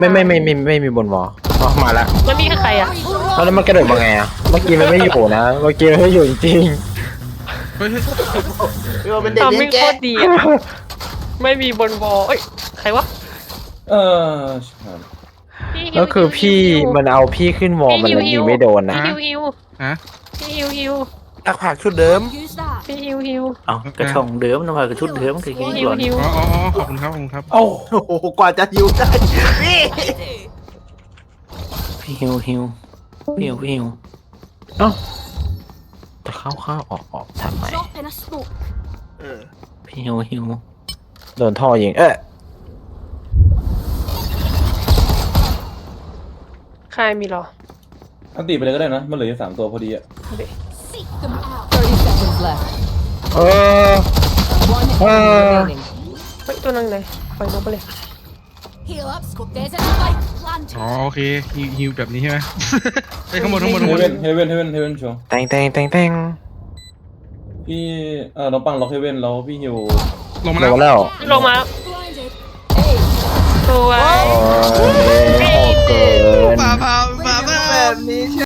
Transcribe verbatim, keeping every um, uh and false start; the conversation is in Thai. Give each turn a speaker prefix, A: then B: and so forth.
A: ไม่ไม่ไม่ไม่ไม่มีบนวอลอ๋อมาละ
B: แล้วมีใครอ่ะ
A: แล้วมันกระโดดมาไงอ่ะเมื่อกี้มันไม่อยู่นะเมื่อกี้มันไม่อยู่จริง
C: เฮ้ย
D: เออเป็นเด็ก
B: ทำ
D: เลี้
B: ไม่
D: ยง
B: โค
D: แกะ
B: ตรดีอ่ะไม่มีบนวอลเอ้ยใครวะ
E: เออ
B: พี่
A: ๆ
B: ฮิว
A: ก็คือพี่มันเอาพี่ขึ้นวอลมันเลยยิงไม่โดนนะ
B: พี่ฮิวฮิว
C: ฮะ
B: พี่ฮิวฮิว
D: ตักผักชุดเดิม
B: พี่ฮิวฮิว
F: เอากระช่องเดิมนะว่ากระชุดเดิมคือกิน
B: พี่ฮิ
F: ห
B: ว
F: ล่อน
B: ฮิว
C: อ๋ออ๋ออ๋อขอบคุณครับขอบคุณครับ
E: เอ้า
D: โอ้โหกว่าจะหิวได้นี่
F: พี่ฮิวฮิวพี่ฮิวพี่ฮิว
A: เอ้าจะเข้าเข้าออกออกทำไม
D: เออ
F: พี่ฮิวฮิว
A: โดนท่อยิงเอ๊ะ
B: ใครมีเหรอ
E: อันตีไปเลยก็ได้นะมันเหลืออยู่สามตัวพอดีอะ
G: thirty seconds left.
A: เออ
G: One
A: Ah.
G: enemy remaining.
B: เฮ้ยตัวนั่งไหนปล่อยนกไปเลย
C: อ๋อโอเคฮิวฮิวแบบนี้ใช่ไหม ไปข้างบนข้างบน
E: เฮ
C: ข้างบน
E: เว่นเฮเว่นเฮเว่นเฮเว่นชัวร์
A: แตงแตงแตงแตง
E: พี่เออน้องปังล็อกเฮเว่นแล้วพี่ฮิว
C: ลงมา
A: โด
C: แล้ว
A: นแล้ว
B: ลงมาสวย
A: โอ้ยโหดเกิน
C: มามามามา
D: แบบนี้